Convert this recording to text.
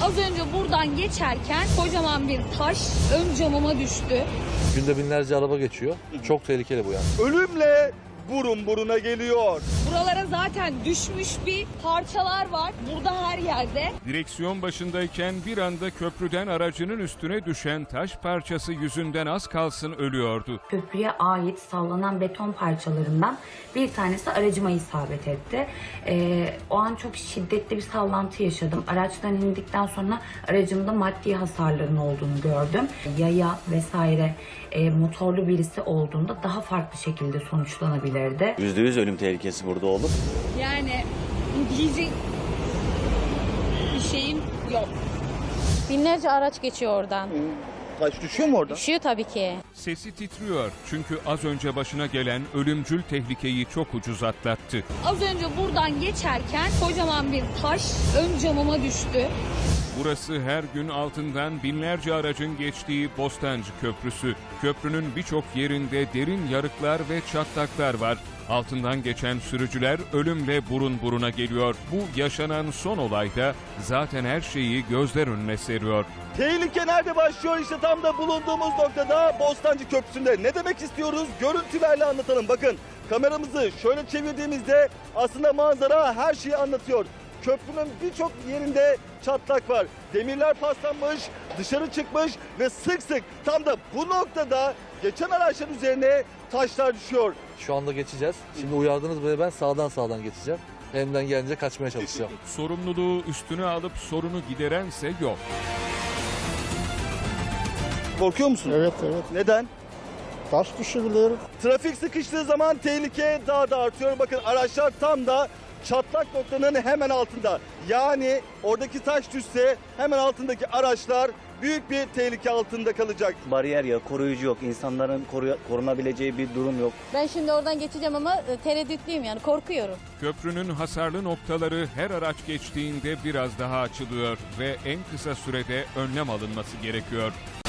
Az önce buradan geçerken kocaman bir taş ön camıma düştü. Günde binlerce araba geçiyor. Çok tehlikeli bu yani. Ölümle burun buruna geliyor. Buralara zaten düşmüş bir parçalar var. Burada her yerde. Direksiyon başındayken bir anda köprüden aracının üstüne düşen taş parçası yüzünden az kalsın ölüyordu. Köprüye ait sallanan beton parçalarından bir tanesi aracıma isabet etti. O an çok şiddetli bir sallantı yaşadım. Araçtan indikten sonra aracımda maddi hasarların olduğunu gördüm. Yaya vesaire motorlu birisi olduğunda daha farklı şekilde sonuçlanabilirdi. %100 ölüm tehlikesi burada olur. Yani diyecek bir şeyim yok. Binlerce araç geçiyor oradan. Taş düşüyor mu orada? Düşüyor tabii ki. Sesi titriyor çünkü az önce başına gelen ölümcül tehlikeyi çok ucuz atlattı. Az önce buradan geçerken kocaman bir taş ön camıma düştü. Burası her gün altından binlerce aracın geçtiği Bostancı Köprüsü. Köprünün birçok yerinde derin yarıklar ve çatlaklar var. Altından geçen sürücüler ölümle burun buruna geliyor. Bu yaşanan son olayda zaten her şeyi gözler önüne seriyor. Tehlike nerede başlıyor? İşte tam da bulunduğumuz noktada Bostancı Köprüsü'nde. Ne demek istiyoruz? Görüntülerle anlatalım. Bakın kameramızı şöyle çevirdiğimizde aslında manzara her şeyi anlatıyor. Köprünün birçok yerinde çatlak var. Demirler paslanmış, dışarı çıkmış ve sık sık tam da bu noktada geçen araçların üzerine taşlar düşüyor. Şu anda geçeceğiz. Şimdi uyardınız beni, ben sağdan geçeceğim. Elimden gelince kaçmaya çalışacağım. Sorumluluğu üstüne alıp sorunu giderense yok. Korkuyor musun? Evet. Neden? Taş düşebilir. Trafik sıkıştığı zaman tehlike daha da artıyor. Bakın araçlar tam da çatlak noktanın hemen altında. Yani oradaki taş düşse hemen altındaki araçlar büyük bir tehlike altında kalacak. Bariyer yok, koruyucu yok, insanların korunabileceği bir durum yok. Ben şimdi oradan geçeceğim ama tereddütlüyüm, yani korkuyorum. Köprünün hasarlı noktaları her araç geçtiğinde biraz daha açılıyor ve en kısa sürede önlem alınması gerekiyor.